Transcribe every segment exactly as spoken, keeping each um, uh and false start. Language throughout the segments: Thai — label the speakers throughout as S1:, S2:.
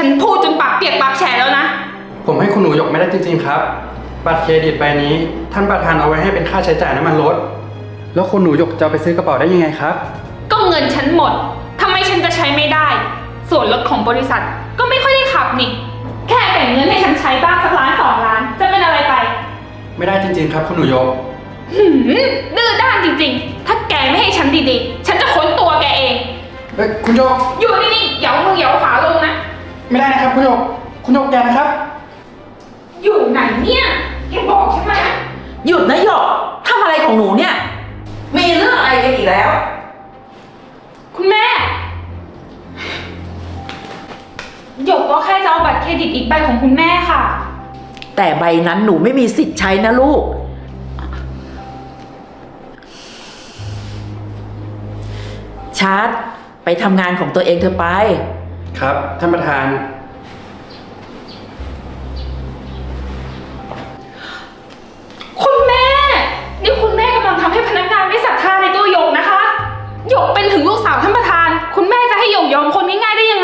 S1: ฉันพูดจนปากเปียกปากแฉะแล้วนะ
S2: ผมให้คุณหนูหยกไม่ได้จริงๆครับบัตรเครดิตใบนี้ท่านประธานเอาไว้ให้เป็นค่าใช้จ่ายน้ำมันรถแล้วคุณหนูหยกจะเอาไปซื้อกระเป๋าได้ยังไงครับ
S1: ก็เงินฉันหมดทำไมฉันจะใช้ไม่ได้ส่วนรถของบริษัทก็ไม่ค่อยได้ขับนี่แค่แบ่งเงินให้ฉันใช้บ้างสักล้านสองล้านจะเป็นอะไรไป
S2: ไม่ได้จริงๆครับคุณหนูหยก
S1: หืมดื้อด้านจริงๆถ้าแกไม่ให้ฉันดีๆฉันจะค้นตัวแกเอง
S2: เฮ้ยคุณหยก
S1: อยู่นี่ๆเหยามือเหยาขาลงนะ
S2: ไม่ได้นะครับคุณหยกคุณหยกแกนะครับ
S1: อยู่ไหนเนี่ยแกบอกฉันมา
S3: หยุดนะหยกทำอะไรของหนูเนี่ยมีเรื่องอะไรกันอีกแล้ว
S1: คุณแม่หยกก็แค่จะเอาบัตรเครดิตอีกใบของคุณแม่ค่ะ
S3: แต่ใบนั้นหนูไม่มีสิทธิ์ใช้นะลูกชาร์ตไปทำงานของตัวเองเธอไป
S2: ครับท่านประธาน
S1: คุณแม่นี่คุณแม่กำลังทำให้พนักงานไม่ศรัทธาในตัวหยกนะคะหยกเป็นถึงลูกสาวท่านประธานคุณแม่จะให้หยกยอมคนง่ายๆได้ยังไง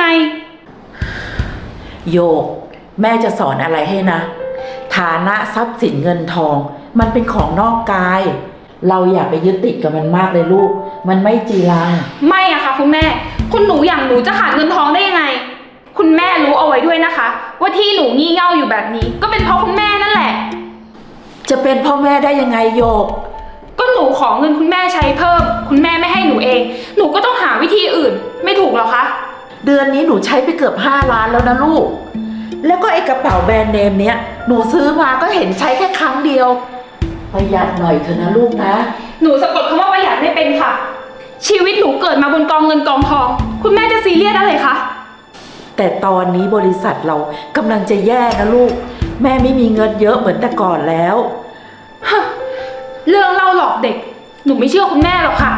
S3: โยกแม่จะสอนอะไรให้นะฐานะทรัพย์สินเงินทองมันเป็นของนอกกายเราอย่าไปยึดติดกับมันมากเลยลูกมันไม่จีรัง
S1: ไม่อะค่ะคุณแม่คุณหนูอย่างหนูจะขาดเงินทองได้ยังไงคุณแม่รู้เอาไว้ด้วยนะคะว่าที่หนูงี่เง่าอยู่แบบนี้ก็เป็นเพราะคุณแม่นั่นแหละ
S3: จะเป็นพ่อแม่ได้ยังไงโยก
S1: ก็หนูขอเงินคุณแม่ใช้เพิ่มคุณแม่ไม่ให้หนูเองหนูก็ต้องหาวิธีอื่นไม่ถูกหรอคะ
S3: เดือนนี้หนูใช้ไปเกือบห้าล้านแล้วนะลูกแล้วก็ไอ้กระเป๋าแบรนด์เนมเนี้ยหนูซื้อมาก็เห็นใช้แค่ครั้งเดียวประหยัดหน่อยเถอะนะลูกนะ
S1: หนูสะกดคำว่าประหยัดไม่เป็นค่ะชีวิตหนูเกิดมาบนกองเงินกองทองคุณแม่จะซีเรียสอะไรคะ
S3: แต่ตอนนี้บริษัทเรากำลังจะแย่นะลูกแม่ไม่มีเงินเยอะเหมือนแต่ก่อนแล้ว
S1: เรื่องเล่าหลอกเด็กหนูไม่เชื่อคุณแม่หรอกค่ะ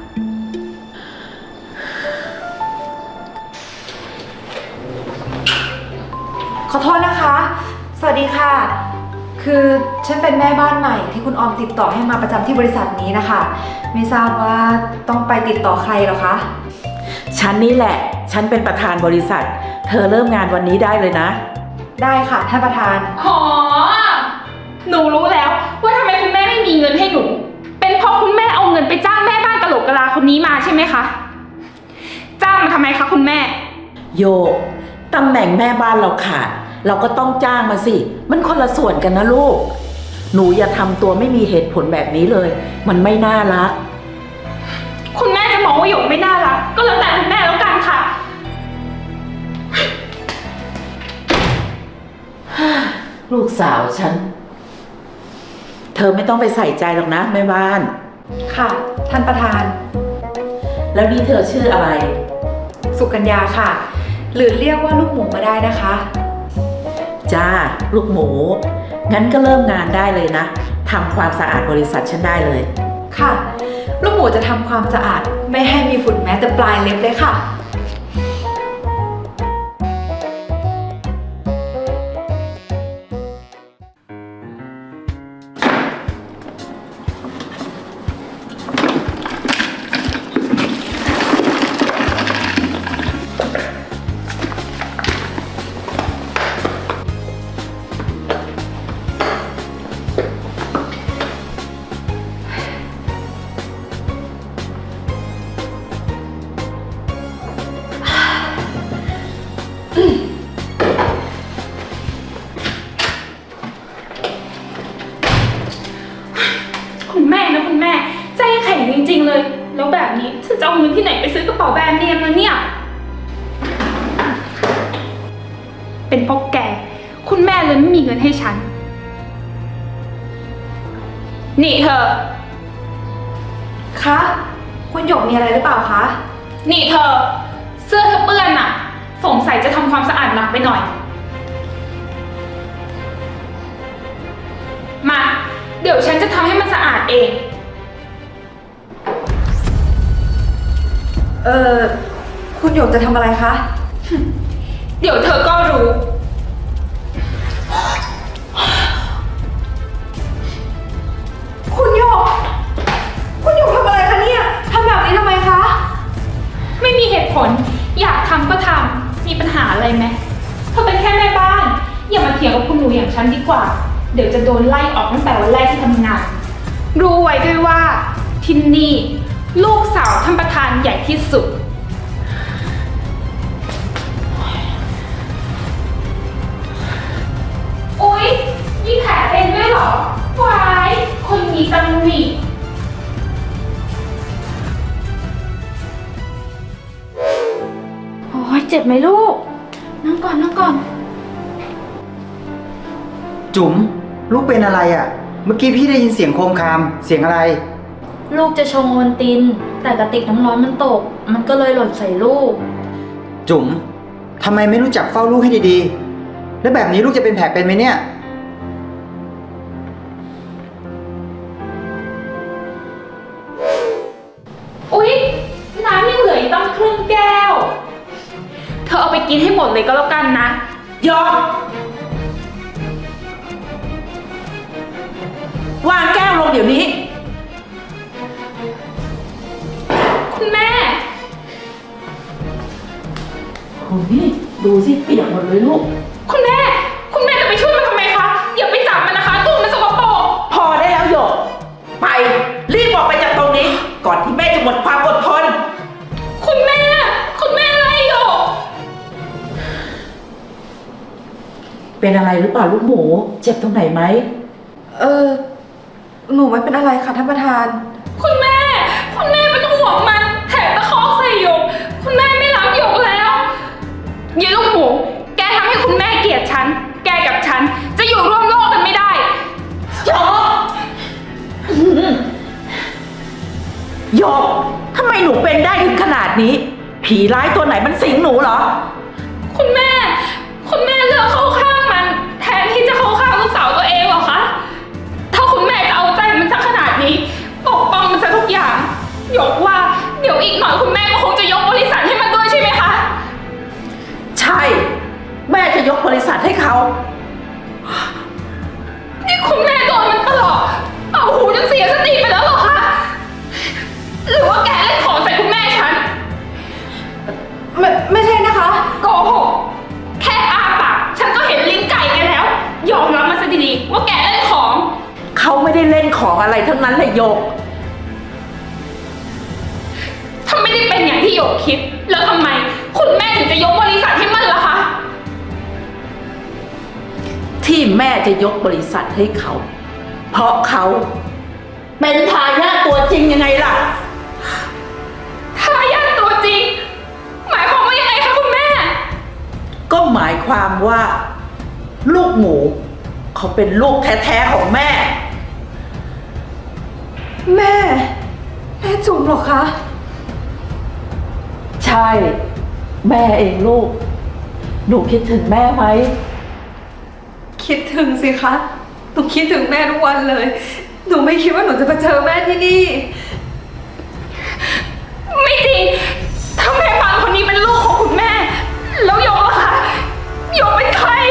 S4: ขอโทษนะคะสวัสดีค่ะคือฉันเป็นแม่บ้านใหม่ที่คุณออมติดต่อให้มาประจำที่บริษัทนี้นะคะไม่ทราบว่าต้องไปติดต่อใครหรอคะ
S3: ฉันนี่แหละฉันเป็นประธานบริษัทเธอเริ่มงานวันนี้ได้เลยนะ
S4: ได้ค่ะท่านประธาน
S1: อ๋อหนูรู้แล้วว่าทำไมคุณแม่ไม่มีเงินให้หนูเป็นเพราะคุณแม่เอาเงินไปจ้างแม่บ้านกะโหลกกะลาคนนี้มาใช่ไหมคะจ้างมาทำไมคะคุณแม่
S3: โยกตำแหน่งแม่บ้านเราขาดเราก็ต้องจ้างมาสิมันคนละส่วนกันนะลูกหนูอย่าทำตัวไม่มีเหตุผลแบบนี้เลยมันไม่น่ารัก
S1: คุณแม่จะมองว่าหยกไม่น่ารักก็แล้วแต่คุณแม่แล้วกันค่ะ
S3: ลูกสาวฉันเธอไม่ต้องไปใส่ใจหรอกนะแม่บ้าน
S4: ค่ะท่านประธาน
S3: แล้วนี่เธอชื่ออะไร
S4: สุกัญญาค่ะหรือเรียกว่าลูกหมูก็ได้นะคะ
S3: จ้าลูกหมูงั้นก็เริ่มงานได้เลยนะทำความสะอาดบริษัทฉันได้เลย
S4: ค่ะลูกหมูจะทำความสะอาดไม่ให้มีฝุ่นแม้แต่ปลายเล็บเลยค่ะ
S1: คุณแม่นะคุณแม่ใจแข็งจริงๆเลยแล้วแบบนี้ฉันจะเอาเงินที่ไหนไปซื้อกระเป๋าแบรนด์เนมนะเนี่ยเป็นเพราะแกคุณแม่เลยไม่มีเงินให้ฉันนี่เธอ
S4: คะคุณหยกมีอะไรหรือเปล่าคะ
S1: นี่เธอเสื้อเธอเปื้อนน่ะสงสัยจะทำความสะอาดหนักไปหน่อยมาเดี๋ยวฉันจะทำให้มันสะอาดเอง
S4: เออคุณหยกจะทำอะไรคะ
S1: เดี๋ยวเธอก็รู้
S4: คุณหยกคุณหยกทำอะไรคะเนี่ยทำแบบนี้ทำไมคะ
S1: ไม่มีเหตุผลอยากทำก็ทำมีปัญหาอะไรไหมอเป็นแค่แม่บ้าน อย่ามาเถียงกับคุณหนูอย่างฉันดีกว่า เดี๋ยวจะโดนไล่ออกตั้งแต่วันแรกที่ทำงาน รู้ไว้ด้วยว่าที่นี่ลูกสาวท่านประธานใหญ่ที่สุด อุ๊ยมีแผลเป็นด้วยเหรอวายคนมีตำหนิ
S5: โอ้ยเจ็บไหมลูก นั่งก่อนนั่งก่อน
S6: จุ๋มลูกเป็นอะไรอะ่ะ เมื่อกี้พี่ได้ยินเสียงโครมครามเสียงอะไร
S5: ลูกจะชงโอวัลติน แต่กระติกน้ำร้อนมันตก มันก็เลยหล่นใส่ลูก
S6: จุ๋มทำไมไม่รู้จักเฝ้าลูกให้ดีๆ แล้วแบบนี้ลูกจะเป็นแผลเป็นไหมเนี่ย
S1: อุ๊ยน้ำยังเหลืออีกตั้งครึ่งแก้ว เธอเอาไปกินให้หมดเลยก็แล้วกันนะ
S3: ยอมวางแก้วลงเดี๋ยวนี้
S1: คุณแม่
S3: โอ้ยดูสิเปียกหมดเลยลูก
S1: คุณแม่ คุณแม่จะไปช่วยมันทำไมคะ อย่าไปจับมันนะคะตัวมันสกปรก
S3: พอได้แล้วหยก ไป รีบออกไปจากตรงนี้ ก่อนที่แม่จะหมดความอดทน
S1: คุณแม่ คุณแม่อะไรอยู่
S3: เป็นอะไรหรือเปล่าลูกหมู เจ็บตรงไหนไหม
S4: เออ หนูไม่เป็นอะไรค่ะท่านประธาน
S1: คุณแม่ คุณแม่เป็นห่วงมันแถมตะคอกใส่หยก คุณแม่ไม่รักหยกแล้วยีลูกหมู แกทำให้คุณแม่เกลียดฉัน แกกับฉันจะอยู่ร่วมโลกกันไม่ได้หยก
S3: โยกทำไมหนูเป็นได้ถึงขนาดนี้ ผีร้ายตัวไหนมันสิงหนูเหรอ
S1: คุณแม่ คุณแม่เลือกเข้าข้างมัน แทนที่จะเข้าข้างลูกสาวตัวเองเหรอคะ ถ้าคุณแม่จะเอาใจมันสักขนาดนี้ปกป้องมันซะทุกอย่างหยกว่าเดี๋ยวอีกหน่อยคุณแม่ก็คงจะยกบริษัทให้มันด้วยใช่ไหมคะ
S3: ใช่ แม่จะยกบริษัทให้เขา
S1: นี่คุณแม่โดนมันตลอดเอาหูจนเสียสติไปแล้วเหรอคะ หรือว่าแกเล่นของใส่คุณแม่ฉัน
S4: ไม่ ไม่ใช่นะคะ
S1: โกหก แค่อ้าปากฉันก็เห็นลิ้นไก่แกแล้ว ยอมรับมาซะดีๆว่าแกเล่นของ
S3: เขาไม่ได้เล่นของอะไรทั้งนั้นเลยโยก
S1: ถ้าไม่ได้เป็นอย่างที่หยกคิด แล้วทำไม คุณแม่ถึงจะยกบริษัทให้มันล่ะคะ
S3: ที่แม่จะยกบริษัทให้เขา เพราะเขาเป็นทายาทตัวจริงยังไงล่ะ
S1: ทายาทตัวจริง หมายความว่ายังไงคะคุณแม่
S3: ก็หมายความว่า ลูกหมู เขาเป็นลูกแท้ๆของแม่
S4: แม่ แม่จุ๋มเหรอคะ
S3: ใช่ แม่เองลูก หนูคิดถึงแม่ไหม
S4: คิดถึงสิคะ หนูคิดถึงแม่ทุกวันเลย หนูไม่คิดว่าหนูจะมาเจอแม่ที่นี่
S1: ไม่จริง ถ้าแม่ปานคนนี้เป็นลูกของคุณแม่ แล้วหยกล่ะคะหยกเป็นใคร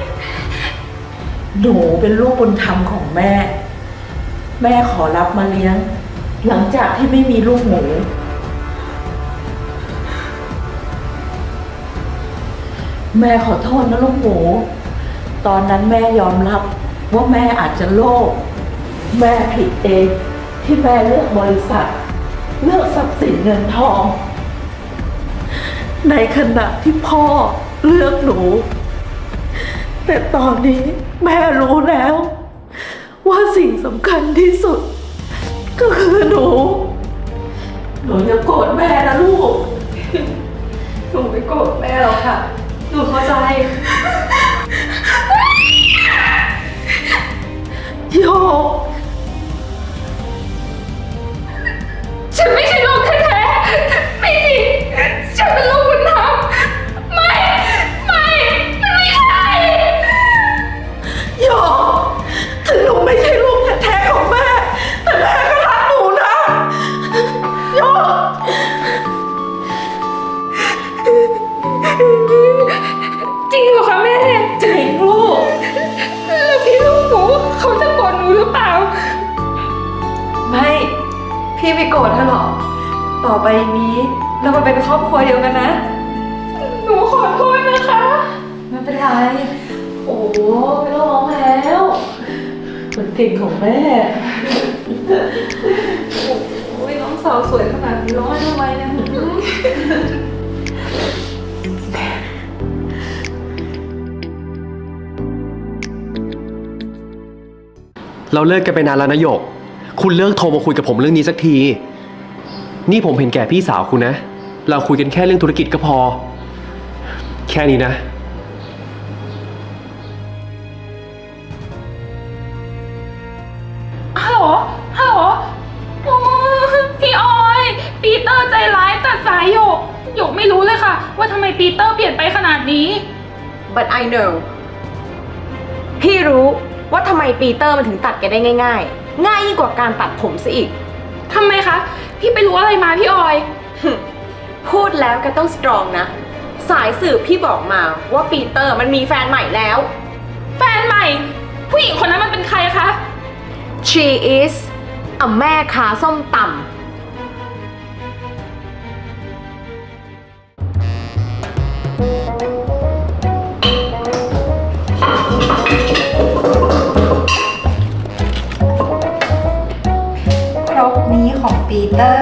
S3: หนูเป็นลูกบุญธรรมของแม่ แม่ขอรับมาเลี้ยง หลังจากที่ไม่มีลูกหมู แม่ขอโทษนะลูกหมู ตอนนั้นแม่ยอมรับว่าแม่อาจจะโลภแม่ผิดเองที่แม่เลือกบริษัท เลือกทรัพย์สินเงินทอง ในขณะที่พ่อเลือกหนู แต่ตอนนี้แม่รู้แล้ว ว่าสิ่งสำคัญที่สุด ก็คือหนู หนูอย่าโกรธแม่นะลูก
S4: หนูไม่โกรธแม่หรอกค่ะ หนูเข้าใจ
S3: โยก
S1: ฉันไม่ใช่ลูกแท้ๆไม่จริง ฉันเป็นลูกบุญธรรมไม่ ไม่มันไม่ใช่
S3: โยก ถึงหนูไม่ใช่ลูกแท้ๆของแม่ แต่แม่ก็รักหนูนะโยก
S1: จริงเหรอคะแม่
S3: จริงลูก
S1: แล้วพี่ลูกหมูเขาจะโกรธหนูหรือเปล่า
S4: ไม่ พี่ไม่โกรธเธอหรอก ต่อไปนี้เรามาเป็นครอบครัวเดียวกันนะ
S1: หนูขอโทษนะคะ
S4: ไม่เป็นไร
S3: โอ้ไม่ต้องร้องแล้วมันเก่งของแม่
S4: โอ้ยน้องสาวสวยขนาดนี้ร้องไห้ทำไมเนี่ย
S7: เราเลิกกันไปนานแล้วนะหยก คุณเลิกโทรมาคุยกับผมเรื่องนี้สักที นี่ผมเห็นแก่พี่สาวคุณนะ เราคุยกันแค่เรื่องธุรกิจก็พอ แค่นี้นะ
S1: ฮัลโหล ฮัลโหลโอ้พี่ออย ปีเตอร์ใจร้ายตัดสายหยก หยกไม่รู้เลยค่ะ ว่าทำไมปีเตอร์เปลี่ยนไปขนาดนี้
S8: but I know พี่รู้ว่าทำไมปีเตอร์มันถึงตัดแกได้ง่ายๆ ง่ายยิ่งกว่าการตัดผมซะอีก
S1: ทำไมคะ พี่ไปรู้อะไรมาพี่ออย
S8: พูดแล้วแกต้องสตรองนะ สายสืบพี่บอกมาว่าปีเตอร์มันมีแฟนใหม่แล้ว
S1: แฟนใหม่ ผู้หญิงคนนั้นมันเป็นใครคะ
S8: She is อ่ะแม่ค้าส้มตำ
S4: ครกนี้ของปีเตอร์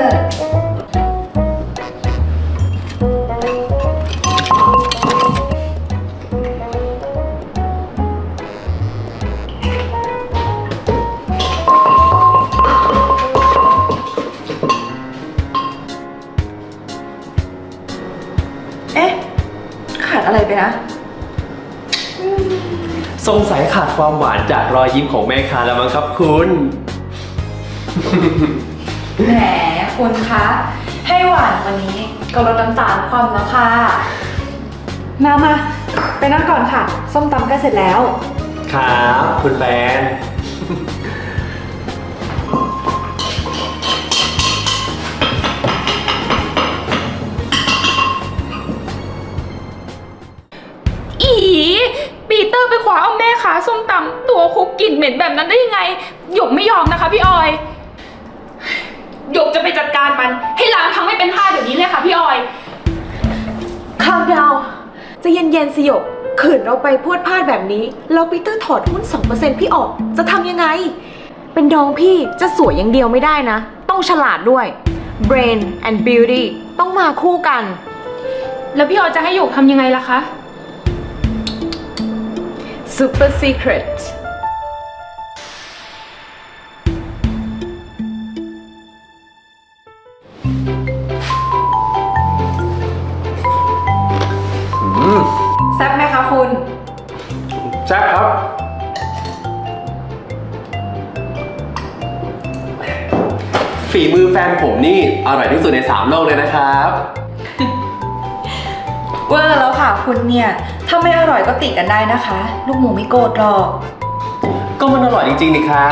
S4: เอ๊ะ ขาดอะไรไปนะ
S7: สงสัยขาดความหวานจากรอยยิ้มของแม่ค้าแล้วมั้งครับคุณ
S4: แหมคุณคะ ให้หวานวันนี้ก็ลดน้ำตาลความแล้วค่ะ มามาไปนั่งก่อนค่ะ ส้มตำใกล้เสร็จแล้ว
S7: ครับ คุณแฟน
S1: อีปีเตอร์ไปขวาเอาแม่ค้าส้มตำตัวคุกกลิ่นเหม็นแบบนั้นได้ยังไง หยกไม่ยอมนะคะพี่ออย หยกจะไปจัดการมัน ให้ล้างทั้งไม่เป็นท่าเดี๋ยวนี้เลยค่ะพี่ออย
S8: ข้าวดาวจะเย็นๆสิหยกขืนเราไปพูดพลาดแบบนี้แล้วปีเตอร์ถอดหุ้น สองเปอร์เซ็นต์ พี่ออก จะทำยังไง เป็นน้องพี่จะสวยอย่างเดียวไม่ได้นะ ต้องฉลาดด้วย brain and beauty ต้องมาคู่กัน
S1: แล้วพี่ออยจะให้หยกทำยังไงล่ะคะ
S8: super secret
S4: แซ่บไหมคะคุณ
S2: แซ่บครับ
S7: ฝีมือแฟนผมนี่อร่อยที่สุดในสามโลกเลยนะครับ
S4: เวอร์แล้วค่ะคุณเนี่ย ถ้าไม่อร่อยก็ติกันได้นะคะ ลูกหมูไม่โกรธหรอก
S7: ก็มันอร่อยจริงๆนี่ครับ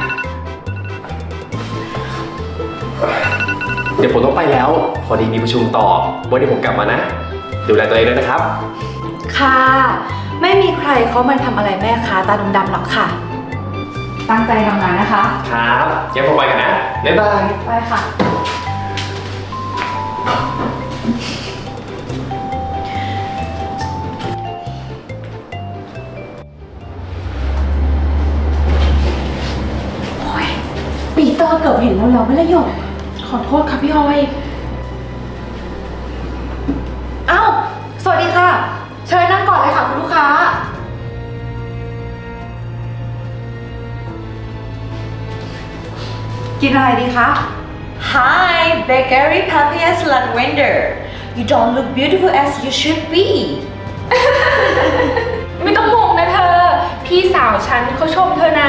S7: เดี๋ยวผมต้องไปแล้ว พอดีมีประชุมต่อวันนี้ผมกลับมานะ ดูแลตัวเองด้วยนะครับ
S4: ค่ะ ไม่มีใครเขามันทำอะไรแม่ค้าตาดำๆหรอกค่ะ ตั้งใจทำงานนะคะ
S7: ครับเดี๋ยวผมไปกันนะ บ๊ายบาย
S4: ไปค่ะ
S3: ปีเตอร์เกือบเห็นเราแล้วไม่ละหยก
S1: ขอโทษค่ะพี่ออย
S4: เอ้า สวัสดีค่ะ เชิญนั่งก่อนเลยค่ะคุณลูกค้า กินอะไรดีคะ
S8: Hi Bakery Papias Lavender You don't look beautiful as you should be
S1: ไม่ต้องงงนะเธอ พี่สาวฉันเขาชมเธอนะ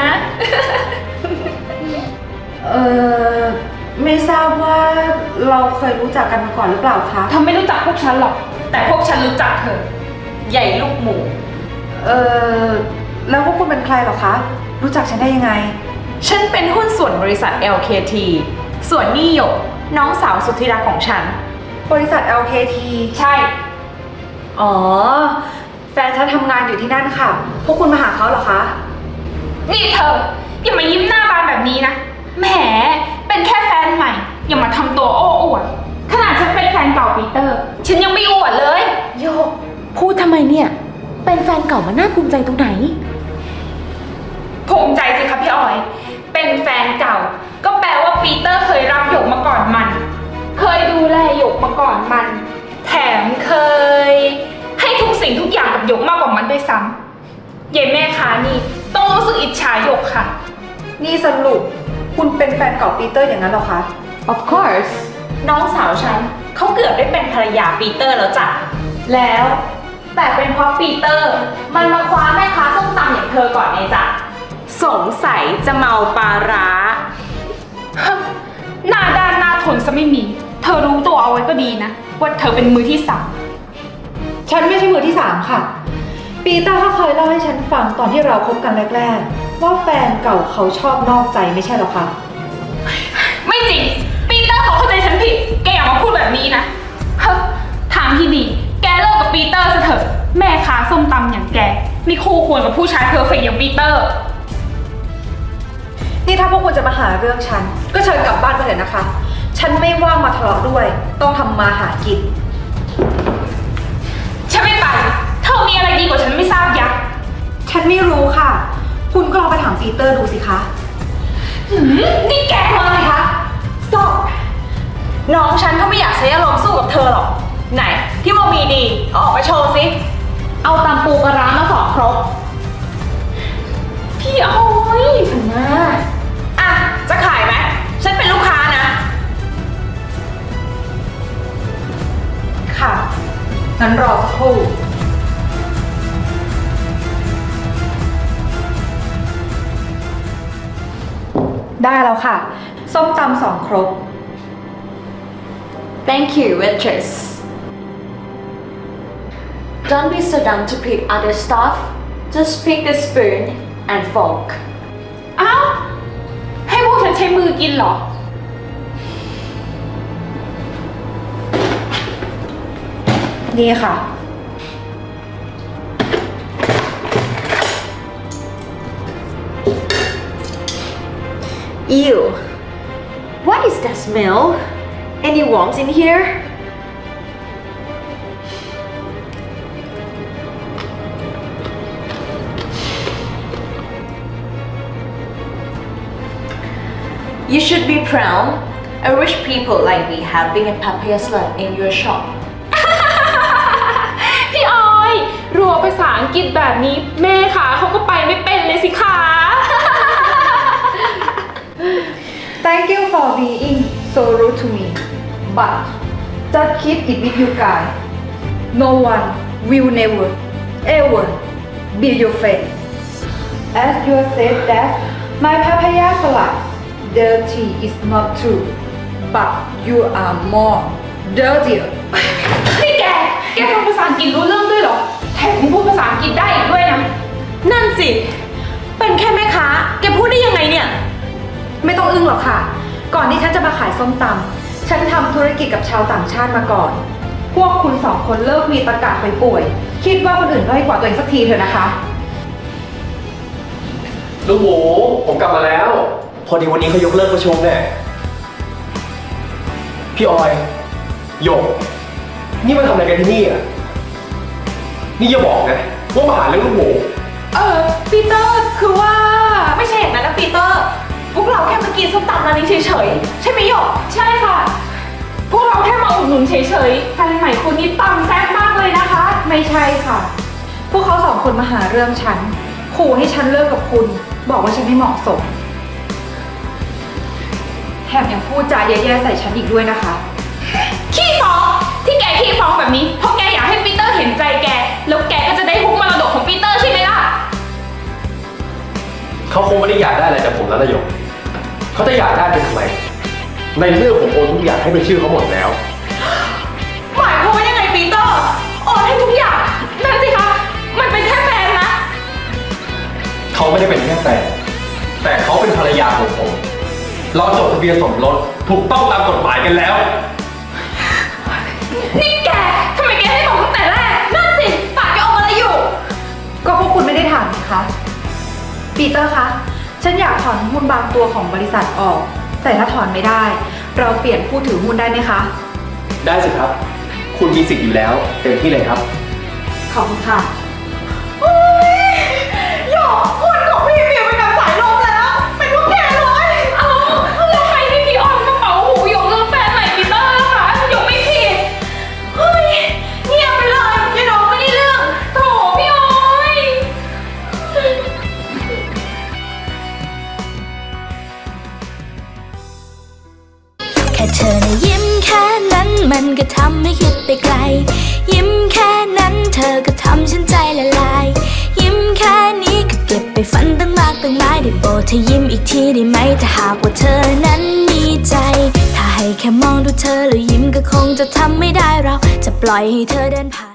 S4: เอ่อ ไม่ทราบว่าเราเคยรู้จักกันมาก่อนหรือเปล่าคะ
S1: เธอไม่รู้จักพวกฉันหรอก แต่พวกฉันรู้จักเธอ
S8: ใหญ่ลูกหมู
S4: เอ่อ แล้วพวกคุณเป็นใครเหรอคะ รู้จักฉันได้ยังไง
S8: ฉันเป็นหุ้นส่วนบริษัท แอล เค ที ส่วนนี่หยกน้องสาวสุดที่รักของฉัน
S4: บริษัท แอล เค ที
S1: ใช่
S4: อ๋อ แฟนฉันทำงานอยู่ที่นั่นค่ะ พวกคุณมาหาเขาเหรอคะ
S1: นี่เธอ อย่ามายิ้มหน้าบานแบบนี้นะ แหม เป็นแค่แฟนใหม่ อย่ามาทำตัวโอ้อวด ขนาดฉันเป็นแฟนเก่าปีเตอร์ ฉันยังไม่อวดเลย
S8: โยก พูดทำไมเนี่ย ไปเป็นแฟนเก่ามันน่าภูมิใจตรงไหน
S1: ภูมิใจสิคะพี่ออย เป็นแฟนเก่า ก็แปลว่าปีเตอร์เคยรับหยกมาก่อนมัน เคยดูแลหยกมาก่อนมัน แถมเคย ให้ทุกสิ่งทุกอย่างกับหยกมากกว่ามันด้วยซ้ำเย็นแม่ค้านี่ต้องรู้สึกอิจฉาหยกค่ะ
S4: นี่สรุปคุณเป็นแฟนเก่าปีเตอร์อย่างนั้นเหรอคะ
S8: Of course น้องสาวฉันเขาเกือบได้เป็นภรรยาปีเตอร์แล้วจ้ะ แล้วแต่เป็นเพราะปีเตอร์ มันมาคว้าแม่ค้าส้มตำอย่างเธอก่อนไงจ๊ะ สงสัยจะเมาปลาร้า
S1: หน้าด้านหน้าทนซะไม่มี เธอรู้ตัวเอาไว้ก็ดีนะ ว่าเธอเป็นมือที่สาม
S4: ฉันไม่ใช่มือที่สามค่ะ ปีเตอร์เขาเคยเล่าให้ฉันฟังตอนที่เราคบกันแรกๆว่าแฟนเก่าเขาชอบนอกใจไม่ใช่หรอคะ
S1: ไม่จริง ปีเตอร์เขาเข้าใจฉันผิด แกอย่ามาพูดแบบนี้นะเฮ้ยทางที่ดี แกเลิกกับปีเตอร์ซะเถอะ แม่ค้าส้มตำอย่างแกไม่คู่ควรกับผู้ชายเพอร์เฟกต์อย่างปีเตอร์
S4: นี่ถ้าพวกคุณจะมาหาเรื่องฉัน ก็เชิญกลับบ้านไปเถอะนะคะ ฉันไม่ว่างมาทะเลาะด้วย ต้องทำมาหากิน
S1: ฉันไม่ไป เธอมีอะไรดีกว่าฉันไม่ทราบยักษ์
S4: ฉันไม่รู้ค่ะ คุณก็ลองไปถามปีเตอร์ดูสิคะ
S1: หืมนี่แกมาเลยคะ
S8: stop น้องฉันเขาไม่อยากใช้อารมณ์สู้กับเธอหรอก ไหน ที่ว่ามีดีเอาออกมาโชว์สิ เอาตำปูปลาร้ามาสองครก
S1: พี่ออย
S8: มาอ่ะ จะขายไหม ฉันเป็นลูกค้านะ
S4: ค่ะ งั้นรอสักครู่ ได้แล้วค่ะ ส้มตำสองครก
S8: Thank you waitress Don't be so dumb to pick other stuff Just pick the spoon and fork
S1: อ้าว ให้พวกฉันใช้มือกินเหรอ
S4: นี่ค่ะ
S8: Ew What is that smell? Any worms in here? You should be proud. I wish people like me having a papaya salad in your shop.
S1: พี่ออยรัวภาษาอังกฤษแบบนี้แม่ขาเขาก็ไปไม่เป็นเลยสิคะ
S4: Thank you for being so rude to me but just keep it with you guys no one will never ever be your friend as you said that my papaya salad dirty is not true but you are more dirtier
S1: นี่แก แกฟังภาษาอังกฤษรู้เรื่องด้วยเหรอ แถมยังพูดภาษาอังกฤษได้อีกด้วยนะ
S8: นั่นสิ เป็นแค่แม่ค้า แกพูดได้ยังไงเนี่ย
S4: ไม่ต้องอึ้งหรอกค่ะ ก่อนที่ฉันจะมาขายส้มตำฉันทำธุรกิจกับชาวต่างชาติมาก่อน พวกคุณสองคนเลิกมีตะกะไปป่วย คิดว่าคนอื่นด้อยกว่าตัวเองสักทีเถอะนะคะ
S7: ลูกหมูผมกลับมาแล้ว พอดีวันนี้เขายกเลิกประชุมเนี่ยพี่ออยหยกนี่มาทำอะไรกันที่นี่อ่ะนี่อย่าบอกนะว่ามาหาเรื่องลูกหมู
S8: เออปีเตอร์คือว่าไม่ใช่อย่างนั้นนะปีเตอร์ พวกเราแค่มากินส้มตำร้านนี้เฉยๆ ใช่ไหมหยก
S1: ใช่ค่ะ พวกเราแค่มาอุดหนุนเฉยๆแฟนใหม่คุณนี่ตำแซ่บมากเลยนะคะ
S4: ไม่ใช่ค่ะ พวกเขาสองคนมาหาเรื่องฉัน ขู่ให้ฉันเลิกกับคุณ บอกว่าฉันไม่เหมาะสม แถมยังพูดจาแย่ๆใส่ฉันอีกด้วยนะคะ
S1: ขี้ฟ้องที่แกขี้ฟ้องแบบนี้เพราะแกอยากให้ปีเตอร์เห็นใจแก แล้วแกก็จะได้ฮุกมรดกของปีเตอร์ใช่ไหมล่ะ
S7: เขาคงไม่ได้อยากได้อะไรจากผมแล้วนะหยกเขาจะอยากได้เป็นทำไมในเมื่อผมโอนทุกอย่างให้เป็นชื่อเขาหมดแล้ว
S8: หมายความว่ายังไงปีเตอร์โอนให้ทุกอย่าง
S1: นั่นสิคะ มันเป็นแค่แฟนนะ
S7: เขาไม่ได้เป็นแค่แฟนแต่เขาเป็นภรรยาของผม เราจดทะเบียนสมรสถูกต้องตามกฎหมายกันแล้ว
S1: นี่แกทำไมแกไม่บอกตั้งแต่แรก
S8: นั่นสิปากแกออกมาอะไรอยู่
S4: ก็พวกคุณไม่ได้ถามนะคะ ปีเตอร์คะ ฉันอยากถอนหุ้นบางตัวของบริษัทออก แต่ถ้าถอนไม่ได้ เราเปลี่ยนผู้ถือหุ้นได้ไหมคะ
S7: ได้สิครับ คุณมีสิทธิ์อยู่แล้วเต็มที่เลยครับ
S4: ขอบคุณค่ะ
S9: เธอนะยิ้มแค่นั้นมันก็ทำให้คิดไปไกล ยิ้มแค่นั้นเธอก็ทำฉันใจละลาย ยิ้มแค่นี้ก็เก็บไปฝันตั้งมากตั้งหลายได้โปรดเธอยิ้มอีกทีได้ไหมถ้าหากว่าเธอนั้นมีใจ ถ้าให้แค่มองดูเธอแล้วยิ้มก็คงจะทำไม่ได้เราจะปล่อยให้เธอเดินผ่าน